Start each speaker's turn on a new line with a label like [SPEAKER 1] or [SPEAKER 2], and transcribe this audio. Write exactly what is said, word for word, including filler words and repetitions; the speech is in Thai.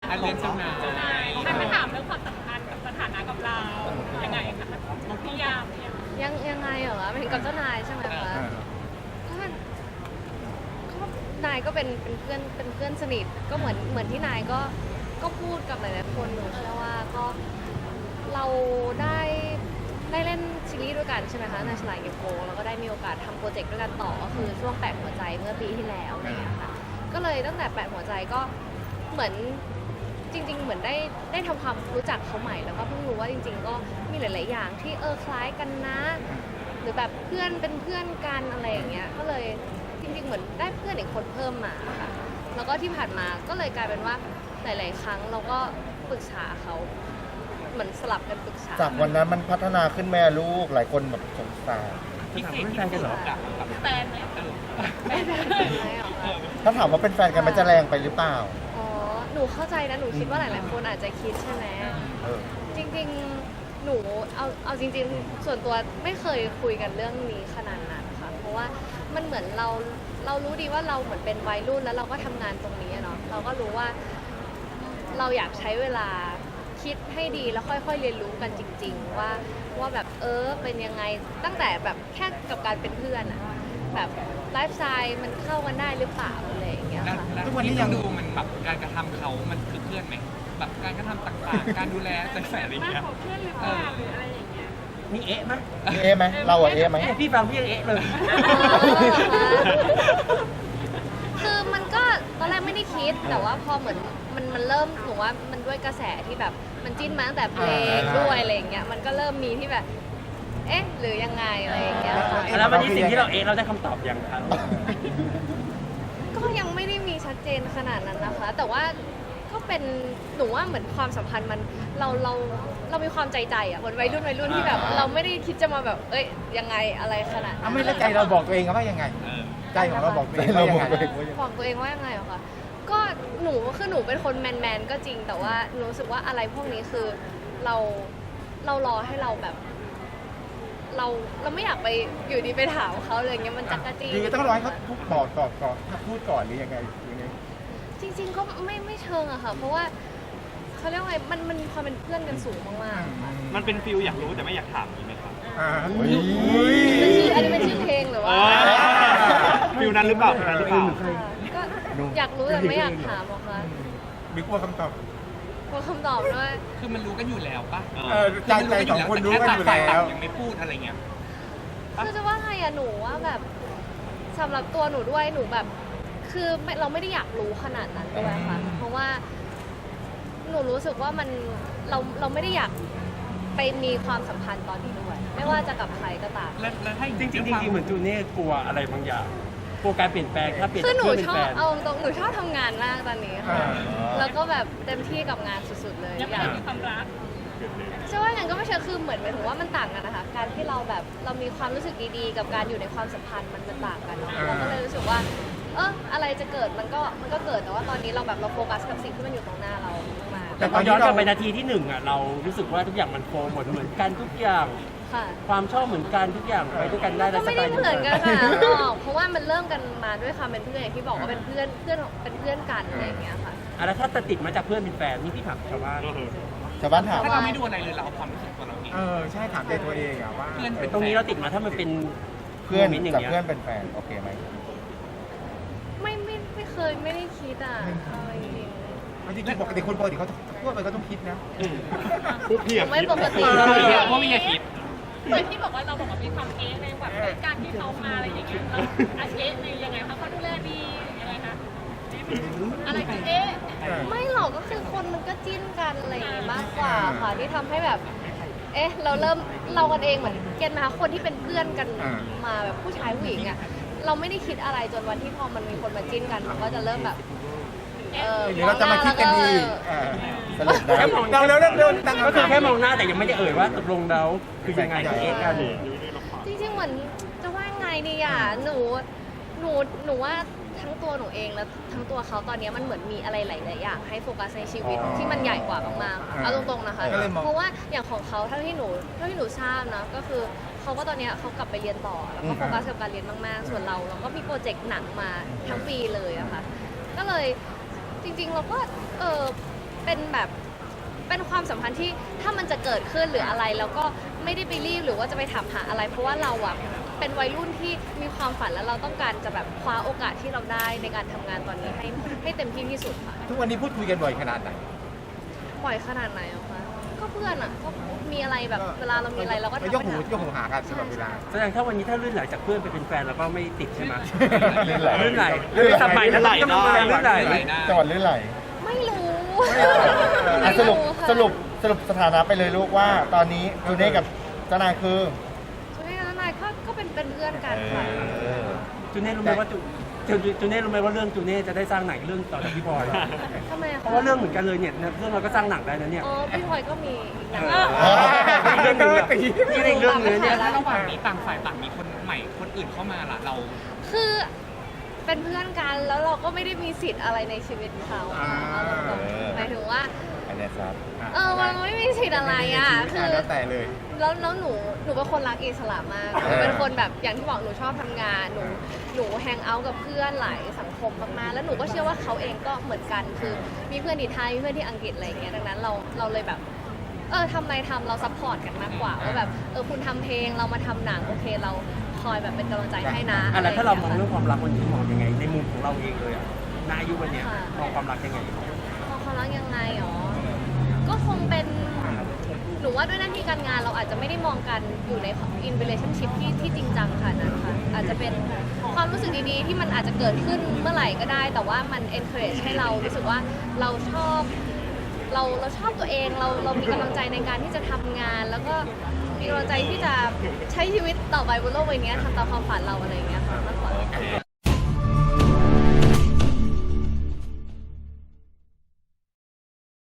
[SPEAKER 1] อันเรื่องเจ้านาย
[SPEAKER 2] ท่านมาถามเรื่องความสัมพันธ์กับสถานะกับเรายังไงคะพี่ยามเนี่ย
[SPEAKER 3] ยังยังไงเหรอคะเป็นกับเจ้านายใช่ไหมคะก็ก็นายก็เป็นเป็นเพื่อนเป็นเพื่อนสนิทก็เหมือนเหมือนที่นายก็ก็พูดกับหลายๆคนหนูเชื่อว่าก็เราได้ได้เล่นซีรีส์ด้วยกันใช่ไหมคะในสลายเกมโกแล้วก็ได้มีโอกาสทำโปรเจกต์ด้วยกันต่อก็คือช่วงแปดหัวใจเมื่อปีที่แล้วอะไรอย่างเงี้ยค่ะก็เลยตั้งแต่แปดหัวใจก็เหมือนจริง ๆ เหมือนได้ได้ทำความรู้จักเขาใหม่แล้วก็เพิ่งรู้ว่าจริง ๆ ก็มีหลาย ๆ อย่างที่เออคล้ายกันนะ หรือแบบเพื่อนเป็นเพื่อนกันอะไรอย่างเงี้ยก็เลยจริง ๆ เหมือนได้เพื่อนอีกคนเพิ่มมาค่ะแล้วก็ที่ผ่านมาก็เลยกลายเป็นว่าหลาย ๆ ครั้งเราก็ปรึกษาเขาเหมือนสลับกันปรึกษา
[SPEAKER 4] จากวันนั้นมันพัฒนาขึ้นแม่ลูกหลายคนแบบสงสาร
[SPEAKER 1] พิเศษที่สุดกับ
[SPEAKER 2] แฟนไหม
[SPEAKER 3] ไม่ได้ไม่หรอกค่ะ
[SPEAKER 4] ถ้าถามว่าเป็นแฟนกันมันจะแรงไปหรือเปล่า
[SPEAKER 3] อ๋อ หนูเข้าใจนะ หนูคิดว่าหลาย ๆ คนอาจจะคิดใช่ไหม
[SPEAKER 4] เออ
[SPEAKER 3] จริง ๆ หนูเอาเอาจริง ๆ ส่วนตัวไม่เคยคุยกันเรื่องนี้ขนาดนั้นค่ะ เพราะว่ามันเหมือนเราเรารู้ดีว่าเราเหมือนเป็นวัยรุ่นแล้วเราก็ทำงานตรงนี้อะเนาะ เราก็รู้ว่าเราอยากใช้เวลาคิดให้ดีแล้วค่อย ๆ เรียนรู้กันจริง ๆ ว่าว่าแบบเออเป็นยังไงตั้งแต่แบบแค่กับการเป็นเพื่อนอะแบบไลฟ์สไตล์มันเข้ากันได้หรือเปล่าอะไรอย่างเงี้ยค่ะ
[SPEAKER 1] ทุกวันนี้ยังดูมันแบบการกระทำเขามันคือเพื่อนไหมแบบการกระทำต่างๆ การดูแลใจแฝดอะไร
[SPEAKER 2] มาก
[SPEAKER 1] เงี้ย
[SPEAKER 2] กว่าเพื่อนหรือเปล่าหรืออะไรอย่างเงี้ย
[SPEAKER 5] มีเอ๊ะไหม
[SPEAKER 4] มีเอะไหมเราอะเอะไหม
[SPEAKER 5] เอ๊ะพี่ฟังพี่ยังเอ๊ะเลย
[SPEAKER 3] คือมันก็ตอนแรกไม่ได้คิดแต่ว่าพอเหมือนมันมันเริ่มหนูว่ามันด้วยกระแสที่แบบมันจิ้นมาตั้งแต่เพลงด้วยอะไรอย่างเงี้ยมันก็เริ่มมีที่แบบ เอ๊ะหรือยังไงอะไรอย่างเงี้ยค่ะ
[SPEAKER 5] แล้ววันนี้สิ่งที่เราเอ๊ะเราได้คำตอบยังครับ
[SPEAKER 3] ก็ยังไม่ได้มีชัดเจนขนาดนั้นนะคะ แต่ว่าก็เป็นหนูว่าเหมือนความสัมพันธ์มันเราเราเรามีความใจใจอ่ะเหมือนวัยรุ่นวัยรุ่นที่แบบ เราไม่ได้คิดจะมาแบบเอ้ยยังไงอะไรขนาดนั้
[SPEAKER 6] อ่ะ
[SPEAKER 3] น
[SPEAKER 6] ไม่แล้วใจเราบอกตัวเองว่ายังไง
[SPEAKER 1] เออ
[SPEAKER 6] ใจของเราบอกตัวเอง
[SPEAKER 4] เรา
[SPEAKER 6] ว่ายัง
[SPEAKER 4] บอก
[SPEAKER 6] ไง
[SPEAKER 4] ตัวเองว่ายังไง
[SPEAKER 3] บอกตัวเองว่ายังไงเหรอคะก็หนูคือหนูเป็นคนแมนแมนๆก็จริง แต่ว่าหนูรู้สึกว่าอะไรพวกนี้คือเราเรารอให้เราแบบ เราเราไม่อยากไปอยู่ดีไปถามเขาเลยอย่างเงี้ยมันจักรจี้
[SPEAKER 6] คือต้องรอให้เขาพูดบอกตอบก่อนถ้าพูดก่อนหรือยังไงหรือยังไง
[SPEAKER 3] จริง ๆ ก็ไม่ไม่เชิงอะค่ะ เพราะว่าเขาเรียกว่าไงมันมันมีความเป็นเพื่อนกันสูงมากๆค่ะ
[SPEAKER 7] มันเป็นฟิลอยากรู้แต่ไม่อยากถามนี่ไหมครับ
[SPEAKER 6] อ่า
[SPEAKER 4] โอ้ย
[SPEAKER 3] เป็นชื่ออันนี้เป็นชื่อเพลงหรือว่า
[SPEAKER 7] ฟิลนั้นหรือเปล่าฟิลนั้นหรือเปล่า
[SPEAKER 3] ก็อยากรู้แต่ไม่อยากถามหรอกค่ะ
[SPEAKER 6] มีกลัวคำตอบ
[SPEAKER 3] กลัวคำตอบด้วย
[SPEAKER 1] คือมันรู้กันอยู่แล้วป่ะ
[SPEAKER 6] เออใจใจสองคนรู้กันอยู่
[SPEAKER 1] ต่าง
[SPEAKER 6] แล้ว
[SPEAKER 1] ยังไม่พูดอะไรเงี้ย
[SPEAKER 3] คือจะว่าไงอะหนูว่าแบบสำหรับตัวหนูด้วยหนูแบบ คือไม่เราไม่ได้อยากรู้ขนาดนั้นด้วยค่ะ เพราะว่า หนูรู้สึกว่ามันเราเราไม่ได้อยากไปมีความสัมพันธ์ตอนนี้ด้วย ไม่ว่าจะกับใครก็ตาม
[SPEAKER 1] แล้วแล้วให้
[SPEAKER 5] จริงๆจริงๆเหมือนจูเน่กลัวอะไรบางอย่างกลัวการเปลี่ยนแปลงถ้าเปลี่ยน
[SPEAKER 3] คือหนู
[SPEAKER 5] เพื่อนเป็น
[SPEAKER 3] ชอ
[SPEAKER 5] แฟ
[SPEAKER 3] บ
[SPEAKER 5] น
[SPEAKER 3] เอาตรงๆหนูชอบทำงานมากตอนนี้ค่ะ แล้วก็แบบเต็มที่กับงานสุดๆเลย
[SPEAKER 2] ยัง
[SPEAKER 3] อ
[SPEAKER 2] ไม่
[SPEAKER 3] ยาก
[SPEAKER 2] ได้มีความรัก
[SPEAKER 3] จะว่าอย่างนั้นก็ไม่ใช่คือเหมือนหมายถึงว่ามันต่างกันนะคะ การที่เราแบบเรามีความรู้สึกดีๆ กับการอยู่ในความสัมพันธ์มันมันต่างกันเนาะเราก็เลยรู้สึกว่า เอออะไรจะเกิดมันก็มันก็เกิดแต่ว่าตอนนี้เราแบบเราโฟกัสกับสิ่งที่มันอยู่ตรงหน้าเรามาก
[SPEAKER 5] แต่พอย้อนกลับไปนาทีที่หนึ่งอ่ะเรารู้สึกว่าทุกอย่างมันโฟล์หมดเหมือนกันทุกอย่าง
[SPEAKER 3] ค่ะ
[SPEAKER 5] ความชอบเหมือนกันทุกอย่างไปด้วยกันได้
[SPEAKER 3] ก็
[SPEAKER 5] และส
[SPEAKER 3] ไม่
[SPEAKER 5] ไต
[SPEAKER 3] ได้
[SPEAKER 5] ล์
[SPEAKER 3] เหมือนกันค่ะหรอกเพราะว่ามันเริ่มกันมาด้วยความเป็นเพื่อนอย่างที่บอกว่าเป็นเพื่อนเพื่อนเป็นเพื่อนกันอะไรอย่างเงี้ยค่ะ
[SPEAKER 5] อ่ะแล้วถ้าจะติดมาจากเพื่อนเป็นแฟนนี่พี่ถามชาวบ้าน
[SPEAKER 4] ชาวบ้านถาม
[SPEAKER 1] ถ้าเราไม่ดูอะไรเลยเราเอาความรู้สึกตัวเราเอง
[SPEAKER 6] เออใช่ถามใจตัวเองอะว่า
[SPEAKER 1] เพื่อน
[SPEAKER 5] ตรงนี้เราติดมาถ้ามันเป็น
[SPEAKER 4] เพื่อน
[SPEAKER 5] โมมต์ย่าง
[SPEAKER 4] กับ
[SPEAKER 5] งี้ย
[SPEAKER 4] เพื่อนเป็นแฟนโอเคไหม
[SPEAKER 3] ไม่ไม่ไม่เคยไม่ได้คิดอ่ะเอาจริง
[SPEAKER 6] จริงๆปกติคนปกติเขาพูดไปก็ต้องคิดนะ
[SPEAKER 7] พวกพี่
[SPEAKER 3] ๆ
[SPEAKER 7] อะ
[SPEAKER 3] ไม่ปกติ
[SPEAKER 1] เพราะว่าไม่อยากคิด
[SPEAKER 2] เหมือนที่บอกว่าเราบอกว่ามีความเอ๊ะในแบบในการที่เขามาอะไรอย่างเงี้ยเราอาเอ๊ะในยังไงคะเขาดูแลดียังไงคะอะไรคือเอ๊ะ
[SPEAKER 3] ไม่หรอกก็คือคนมันก็จิ้นกันอะไรอย่างงี้มากกว่าค่ะที่ทำให้แบบ เอ๊ะ เราเริ่มเรากันเองเหมือนเกณฑ์นะคะคนที่เป็นเพื่อนกัน
[SPEAKER 6] อ่า
[SPEAKER 3] มาแบบผู้ชายผู้หญิงอ่ะเราไม่ได้คิดอะไรจนวันที่พอมันมีคนมาจิ้นกันมันก็จะเริ่มแบบเออ
[SPEAKER 6] เดี๋ยวเราจะมาคิดกันดี
[SPEAKER 3] เออ
[SPEAKER 4] สรุปได้
[SPEAKER 5] แค่มอง
[SPEAKER 6] เราเร็วเร็วเร็วตั้ง
[SPEAKER 5] ก็คือแค่มองหน้าแต่ยังไม่ได้เอ่ยว่าตกลงแล้วคือยังไงกับเอ๊ะกัน
[SPEAKER 3] จริงๆเหมือนจะว่าไงดีอ่ะหนูหนูหนูว่าทั้งตัวหนูเองและทั้งตัวเขาตอนนี้มันเหมือนมีอะไรหลายๆอย่างให้โฟกัสในชีวิตที่มันใหญ่กว่ามากๆเอาตรงๆนะคะ
[SPEAKER 6] ก็เลยมอง
[SPEAKER 3] เพราะว่าอย่างของเขาเท่าที่หนูเท่าที่หนูทราบนะก็คือเขาก็ตอนเนี้ยเขากลับไปเรียนต่อแล้วก็โฟกัสกับการเรียนมากๆ ส่วนเราเราก็มีโปรเจกต์หนังมาทั้งปีเลยอะค่ะก็เลยจริงๆเราก็เออไปเป็นแบบเป็นความสัมพันธ์ที่ถ้ามันจะเกิดขึ้นหรืออะไรแล้วก็ไม่ได้ไปรีบหรือว่าจะไปถามหาอะไร เพราะว่าเราอะเป็นวัยรุ่นที่มีความฝันแล้วเราต้องการจะแบบคว้าโอกาสที่เราได้ในการทำงานตอนนี้ให้ให้เต็มที่ที่สุดค่ะ
[SPEAKER 6] ทุกวันนี้พูดคุยกันบ่อยขนาดไหน
[SPEAKER 3] บ่อยขนาดไหนอะคะก็เพื่อนอะก็มีอะไรแบบเวลาเรามีอะไรเราก็ทำ
[SPEAKER 6] ยกหู
[SPEAKER 3] ไปถาม
[SPEAKER 6] ยกหูหากันตลอดเวลา
[SPEAKER 5] แสดงถ้าวันนี้ถ้าลื่นไหลจากเพื่อนไปเป็นแฟนเราก็ไม่ติดใช่ไหม
[SPEAKER 4] ลื่นไหล
[SPEAKER 5] ลื่นไหล
[SPEAKER 4] ลื่นไหล
[SPEAKER 5] สบายลื่นไหลเนาะลื่นไหล
[SPEAKER 4] จังหวัดลื่นไหล
[SPEAKER 3] ไม่รู้
[SPEAKER 4] อ่ะสรุป
[SPEAKER 3] ค่ะ
[SPEAKER 4] สรุปสรุปสถานะไปเลยลูกว่า ตอนนี้จูเน่กับเจ้านายคือ
[SPEAKER 3] ช่วยนะนายก็ก็เป็นเป็นเพื่อนกันค่ะ
[SPEAKER 4] เออ
[SPEAKER 5] จูเน่รู้ไหมว่าจูจูจูเน่รู้ไหมว่าเรื่องจูเน่จะได้สร้างหนังเรื่องต่อจากพี่พลอย
[SPEAKER 3] ทำไมอะ
[SPEAKER 5] เพ
[SPEAKER 3] คะ
[SPEAKER 5] ราะว่าเรื่องเหมือนกันเลยเนี่ยเรื่องเราก็สร้างหนังได้นะเนี่ย
[SPEAKER 3] อ๋อพี่พลอยก็มีอีกหนัง
[SPEAKER 5] เออ อีกเรื่องหนึงอะนี่อีกเรื่องหนึงเนี่ย
[SPEAKER 1] แล้วระหว่างนี้ต่างฝ่ายต่างมีคนใหม่คนอื่นเข้ามาล่ะเรา
[SPEAKER 3] คือเป็นเพื่อนกันแล้วเราก็ไม่ได้มีสิทธิ์อะไรในชีวิตเขาอะ
[SPEAKER 6] อ่า
[SPEAKER 3] เอาตรงๆหมายถึงว่า
[SPEAKER 4] อันเนี้ยครับ
[SPEAKER 3] เออมันไม่มีสิทธิ์อะไรอ่ะคือ
[SPEAKER 6] แล้วแต่เลย
[SPEAKER 3] แล้วแล้วหนูหนูเป็นคนรักอิสระมากหนูเป็นคนแบบอย่างที่บอกหนูชอบทำงานหนูหนูแฮงเอาท์กับเพื่อนหลายสังคมมากๆแล้วหนูก็เชื่อว่าเขาเองก็เหมือนกันคือมีเพื่อนที่ไทยมีเพื่อนที่อังกฤษอะไรอย่างเงี้ยดังนั้นเราเราเลยแบบเออทำอะไรทำเราซัพพอร์ตกันมากกว่าว่าแบบเออคุณทำเพลงเรามาทำหนังโอเคเราคอยแบบเป็นกำลังใจให้นะ
[SPEAKER 5] อ่ะแล้วถ้าเรามอง
[SPEAKER 3] ะไย่
[SPEAKER 5] เรื่
[SPEAKER 3] ย
[SPEAKER 5] องความรักวันนี้มองยังไง ในมุมของเราเองเลยอ่ะณอายุวันเนี้ยมองความรักยังไง
[SPEAKER 3] มองความรักยังไงหรอก็คงเป็นหนูว่าด้วยหน้าที่การงานเราอาจจะไม่ได้มองกันอยู่ใน in relationship ที่ที่จริงจังค่ะนั้นค่ะอาจจะเป็นความรู้สึกดีๆ ที่มันอาจจะเกิดขึ้นเมื่อไหร่ก็ได้ แต่ว่ามัน encourage ให้เรารู้สึกว่าเราชอบเราเราชอบตัวเองเราเรามีกำลังใจในการที่จะทำงาน แล้วก็มีกำลังใจที่จะใช้ชีวิตต่อไปบนโลกใบนี้ทำตามความฝันเราอะไรอย่างเงี้ยค่ะมากกว่า